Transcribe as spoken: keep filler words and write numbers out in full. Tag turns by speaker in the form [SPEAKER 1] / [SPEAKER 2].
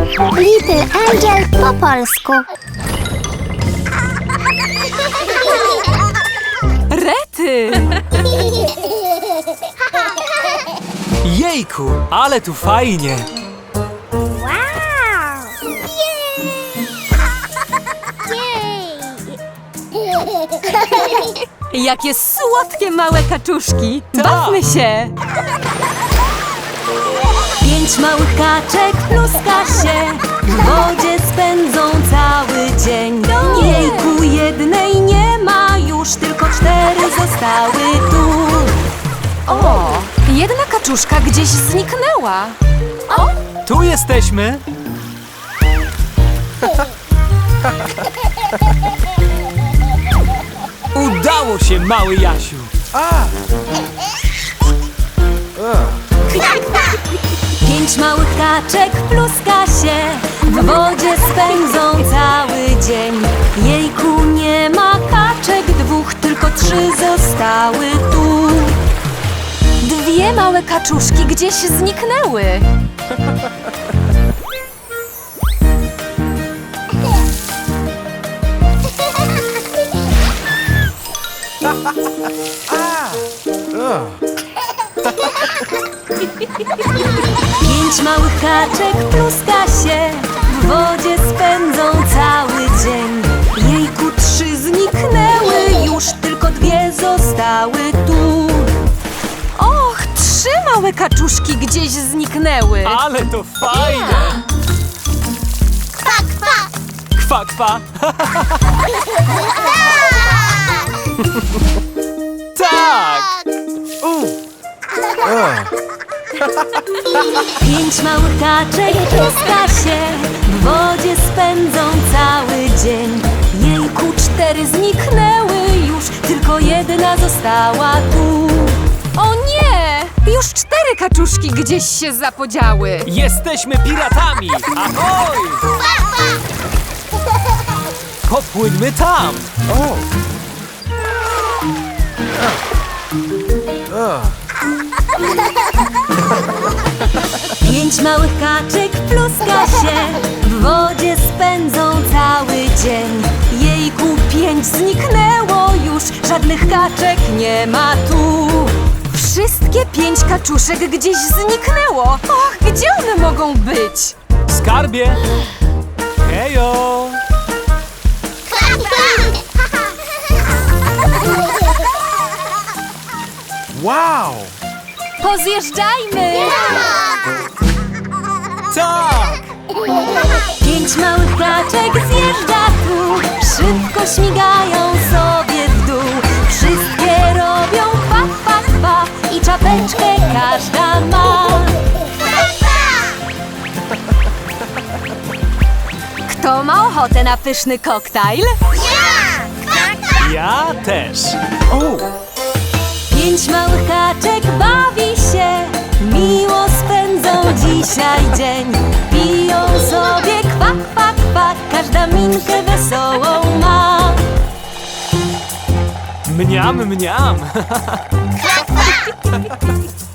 [SPEAKER 1] Little Angel po polsku.
[SPEAKER 2] Rety!
[SPEAKER 3] Jejku, ale tu fajnie!
[SPEAKER 1] Wow! Jej!
[SPEAKER 2] Jakie słodkie małe kaczuszki!
[SPEAKER 3] Tak.
[SPEAKER 2] Bawmy się! Pięć małych kaczek pluska się, w wodzie spędzą cały dzień. Jejku, jednej nie ma już, tylko cztery zostały tu. O, jedna kaczuszka gdzieś zniknęła. O,
[SPEAKER 3] Tu jesteśmy! Udało się, mały Jasiu!
[SPEAKER 2] pięć małych kaczek pluska się, w wodzie spędzą cały dzień. Jejku, nie ma kaczek dwóch, tylko trzy zostały tu. Dwie małe kaczuszki gdzieś zniknęły. Pięć małych kaczek pluska się, w wodzie spędzą cały dzień. Jejku, trzy zniknęły już, tylko dwie zostały tu. Och, trzy małe kaczuszki gdzieś zniknęły.
[SPEAKER 3] Ale to fajne!
[SPEAKER 1] Kwa, kwa!
[SPEAKER 3] Kwa, kwa! Tak!
[SPEAKER 2] Pięć małych kaczek pluska się, w wodzie spędzą cały dzień. Jejku, cztery zniknęły już, tylko jedna została tu. O nie! Już cztery kaczuszki gdzieś się zapodziały.
[SPEAKER 3] Jesteśmy piratami! Ahoj! Popłyńmy tam!
[SPEAKER 2] Pięć małych kaczek pluska się, w wodzie spędzą cały dzień. Jejku, pięć zniknęło już, żadnych kaczek nie ma tu. Wszystkie pięć kaczuszek gdzieś zniknęło. Och, gdzie one mogą być?
[SPEAKER 3] Skarbie! Hejo! Wow!
[SPEAKER 2] Pozjeżdżajmy!
[SPEAKER 3] Tak!
[SPEAKER 2] Pięć małych kaczek zjeżdża tu, szybko śmigają sobie w dół. Wszystkie robią pa, pa, pa i czapeczkę każda ma. Kto ma ochotę na pyszny koktajl?
[SPEAKER 3] Ja też! O!
[SPEAKER 2] Pięć małych kaczek bawi się, miło spędzą dzisiaj dzień. Piją sobie kwa, kwa, kwa, każda minkę wesołą ma.
[SPEAKER 3] Mniam, mniam!